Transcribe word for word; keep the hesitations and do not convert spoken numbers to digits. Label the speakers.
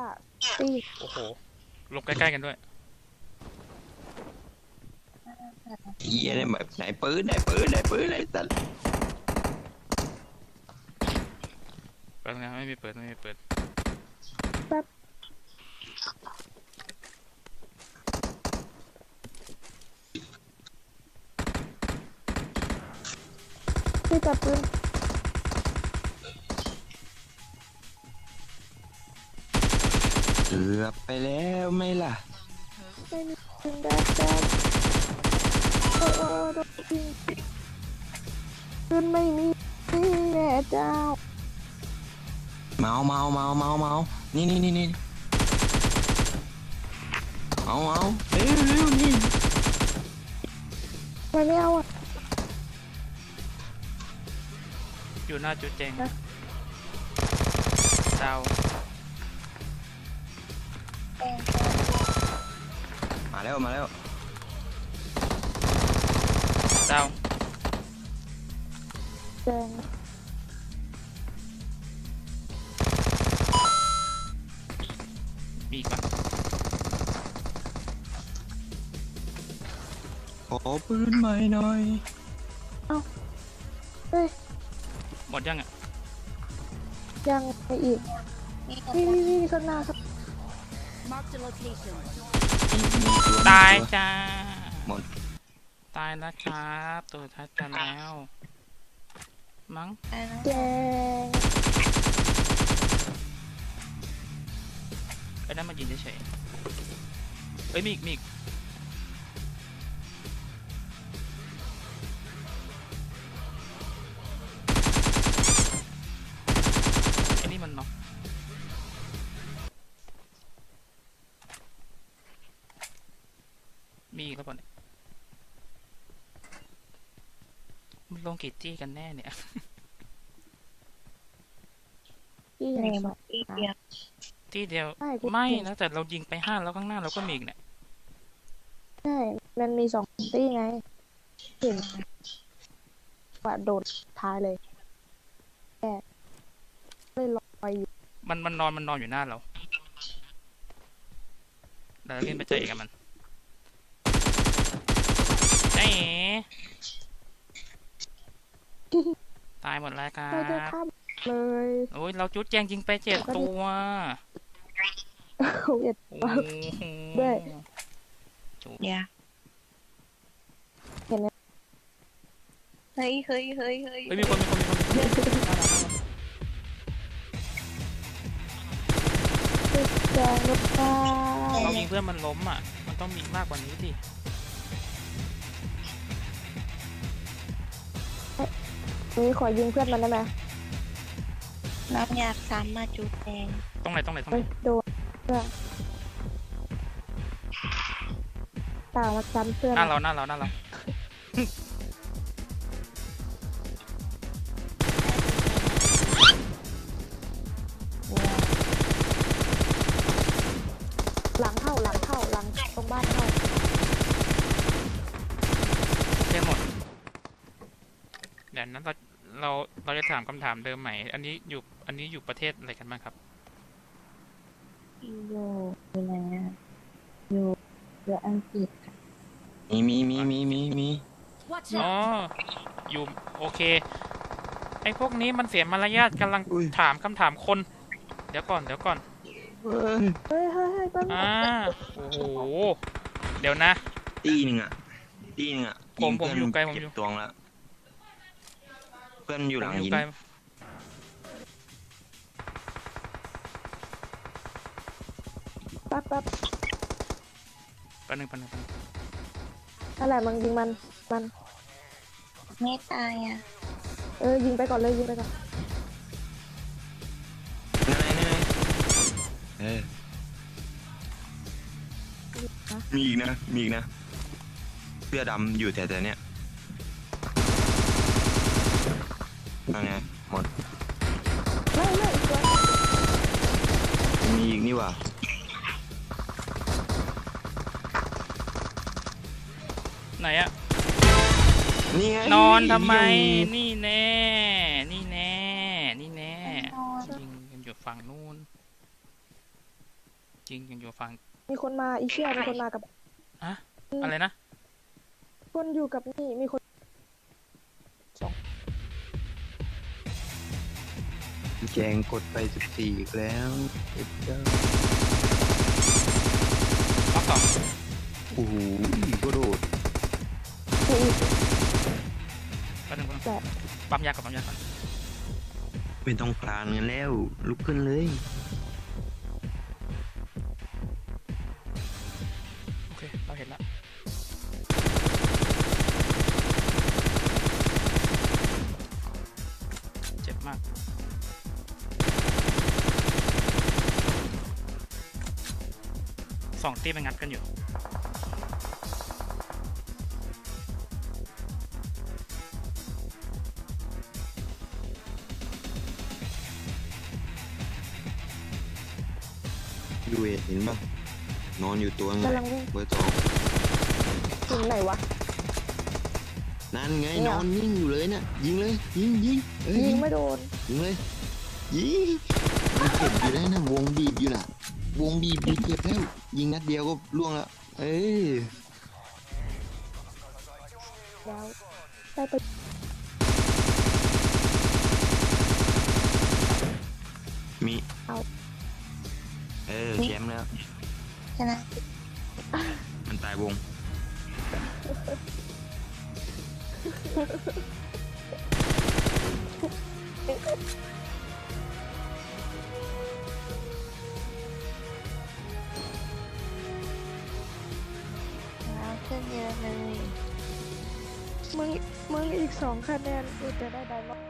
Speaker 1: ตี
Speaker 2: โอ้โหลงใกล้ๆกันด้วย
Speaker 3: เฮียเนี่ยแบบไหนปืนไหนปืนไหนปืนไหนสัตว์
Speaker 2: เปิดนะไม่มีเปิดไม่มีเปิด
Speaker 1: แป๊บพี่จับปืน
Speaker 3: เกือบไปแล้วไหม่ล่ะ
Speaker 1: ไม่มีปืนแดดแดดโอ้โอ้โดนยิงปืนไม่มีแม่เจ้า
Speaker 3: เมาเมาเมาเมาเมานี่นี่นี่นี่เอาเอาเร็วเร็วนี่
Speaker 1: มันไม่เอาอ่ะ
Speaker 2: อยู่หน้าจุดแจงดาว
Speaker 3: มาแล้วมาแล้ว
Speaker 2: ดาว
Speaker 1: แดง
Speaker 2: มีอีกปะ
Speaker 3: ขอปืนใหม่หน่อย
Speaker 1: เอ้าเฮ้ย
Speaker 2: หมดยังอ่ะ
Speaker 1: ยังไปอีกนี่นี่นี่ข้างหน้าครับ
Speaker 2: ตายจ้า
Speaker 3: หมด
Speaker 2: ตายแล้วครับตัวทัดกันแล้วมั้ง
Speaker 1: แดง
Speaker 2: ไอ้นั่นมายิงเฉยๆเอ้ยมีอีกมีอีกไอ้นี่มันเนาะมีอีกแล้วป่ะเนี่ยมันลงกี่จี้กันแน่เนี่ย
Speaker 1: ที่ไหนมาอีกเดียว
Speaker 2: ที่เดียวไม่นะแต่เรายิงไปห้าแล้วข้างหน้าเราก็มีอีกเนี่ย
Speaker 1: ใช่มันมีสองที่ไงเห็นว่าโดดท้ายเลยแค่เลยลอยอยู่
Speaker 2: มันมันนอนมันนอนอยู่หน้าเราเดี๋ยวเราเล่นไปเจอกับมันไอ้ตายหมดแล้วครับ
Speaker 1: เลย
Speaker 2: โอ้ยเราจุดแจงยิงไปเจ็ดตัว
Speaker 1: เจ็ดตัวด้วย
Speaker 2: เนี่ย
Speaker 1: เห็นไหม
Speaker 4: เฮ้ยเฮ้ยเฮ้ยเฮ้ย
Speaker 2: มีคนมีคนมีคน
Speaker 1: แจงลูกตา
Speaker 2: เรายิงเพื่อนมันล้มอ่ะมันต้องมีมากกว่านี้สิ
Speaker 1: นี่ขอยิงเพื่อนมันได้ไหม
Speaker 4: น้ำยาซ้ำมาจุดแดง
Speaker 2: ตรงไหนตรงไหนตรงไหน
Speaker 1: โดนเพื่อนตามาซ้ำเพื่อน
Speaker 2: หน้าเราหน้าเราหน้าเรา
Speaker 1: หลังเข้าหลังเข้าหลังตรงบ้านเข้า
Speaker 2: เจ๊หมดเดี๋ยวนั้นเราเราเราจะถามคำถามเดิมใหม่อันนี้อยู่อันนี้อยู่ประเทศอะไรกันบ้างครับ
Speaker 4: อยู่อยู่ไหนอ่ะอยู่อยู่อังกฤษ
Speaker 3: มีมีมีมีมีมี
Speaker 2: อ๋ออยู่โอเคไอ้พวกนี้มันเสียมารยาทกำลังถามคำถามคนเดี๋ยวก่อนเดี๋ยวก่อน
Speaker 1: เฮ้ยเฮ้ยเฮ้ย
Speaker 2: อ่าโอ้โหเดี๋ยวนะ
Speaker 3: ตีหนึ่งอ่ะตีหนึ่งอ่ะ
Speaker 2: ผมผมอยู่ไกลผมอยู่
Speaker 3: ตวงแล้วเพื่อนอยู่หลังหิน
Speaker 1: ปั๊บปั๊บ
Speaker 2: ปันหนึ่งปันหนึ่ง
Speaker 1: อะไรมึงยิงมันมัน
Speaker 4: ไม่ตายอ่ะ
Speaker 1: เออยิงไปก่อนเลยยิงไปก่อน
Speaker 3: นั่นไงนั่นไงเออมีอีกนะมีอีกนะเสื้อดำอยู่แถวๆเนี้ยนั่นไงหมด
Speaker 1: ไม่ไม่อีกตัว
Speaker 3: มีอีกนี่ว่ะ
Speaker 2: ไหนอะ
Speaker 3: นี่ไง
Speaker 2: นอนทำไมนี่แน่นี่แน่นี่แน่ยิงกันอยู่ฝั่งนู้นจริงยังอยู่ฝั่ง
Speaker 1: มีคนมาอีเชี่ยมีคนมากับ
Speaker 2: อะอะไรนะ
Speaker 1: คนอยู่กับนี่มีคน
Speaker 3: แจงกดไปสิบสี่อีกแล้วเอ็ดเจ้า
Speaker 2: ล็อกสอง
Speaker 3: โอ้โหก็โดด
Speaker 1: อีก
Speaker 2: แป๊บนึงแป๊บนึง
Speaker 1: แต่
Speaker 2: ปั๊มยาก่อนปั๊มยาก่อน
Speaker 3: ไม่ต้องพลานกันแล้ว ลุกขึ้นเลย
Speaker 2: โอเคเราเห็นแล้วเจ็บมากสองตีมันงัดกันอยู่
Speaker 3: ยูเอเห็นป่ะนอนอยู่ตัวไง
Speaker 1: กำลังวิ่ง
Speaker 3: เบอร์สอง
Speaker 1: ถึงไหนวะ
Speaker 3: นั่นไง
Speaker 1: เนี่ย
Speaker 3: นอนนิ่งอยู่เลยเนี่ยยิงเลยยิงยิงเอ้ย
Speaker 1: ยิงไม่โดน
Speaker 3: ยิงเลยยิงมันเจ็บอยู่แล้วนะวงบีบอยู่น่ะ วงบีบอยู่เจ็บแล้ว ยิงนัดเดียวก็ล่วงแล้ว เอ้ย
Speaker 1: แล้วได้ไป
Speaker 3: มี
Speaker 1: เอา
Speaker 3: เออแชมป์แล้ว
Speaker 4: ใช่ไหม
Speaker 3: มันตายวง
Speaker 4: แล้วขึ้นเยอะเลย
Speaker 1: มึงมึงอีกสองคะแนนกูจะได้ไดมอนด์